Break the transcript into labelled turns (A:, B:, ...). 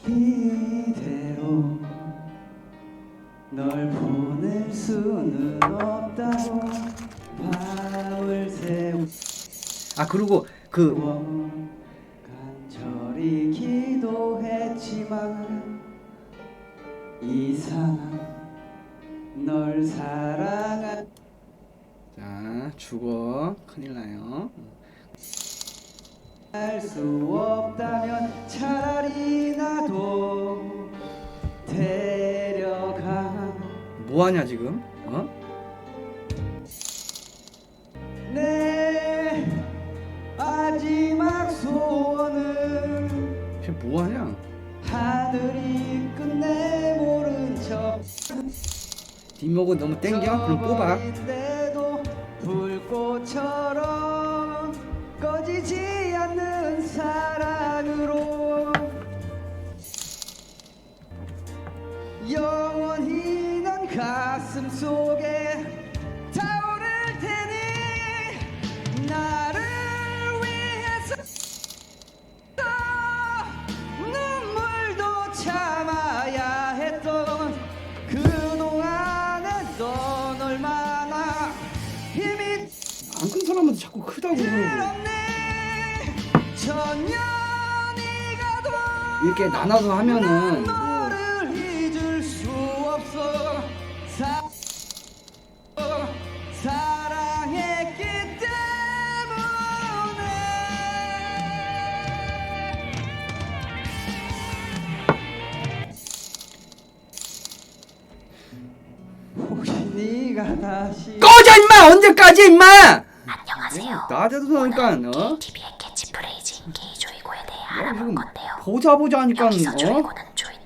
A: 이대로 널 보낼 수는 없다고 밤을 새우
B: 그리고 그
A: 간절히 기도했지만 이상한 널 사랑한
B: 자, 죽어. 큰일 나요.
A: 할 수 없다면 차라리 나도 데려가.
B: 뭐 하냐 지금?
A: 내 마지막 소원은
B: 쟤 뭐 하냐?
A: 하늘이 끝내 모른 척
B: 뒷목은 너무 땡겨? 그럼 뽑아.
A: 인데도 불꽃처럼 꺼지지 않는 사랑으로 영원히 넌 가슴 속에 타오를 테니 나를 위해서 눈물도 참아야 했던 그동안에 넌 얼마나 힘이
B: 안 큰 사람한테 자꾸 크다고 그러고.
A: 들었네. 천년이 가도
B: 이렇게 나눠서 하면은 뭐
A: 너를 잊을 수 없어. 사랑했기 때문에. 혹시 네가 다시
B: 꺼져 임마! 언제까지 임마!
C: 안녕하세요.
B: 낮에도 나니까
C: TV의 캐치프레이즈인 게이조이고에 대해
B: 야,
C: 알아볼
B: 지금
C: 건데요.
B: 보자 하니까
C: 여기서 조이고는 조인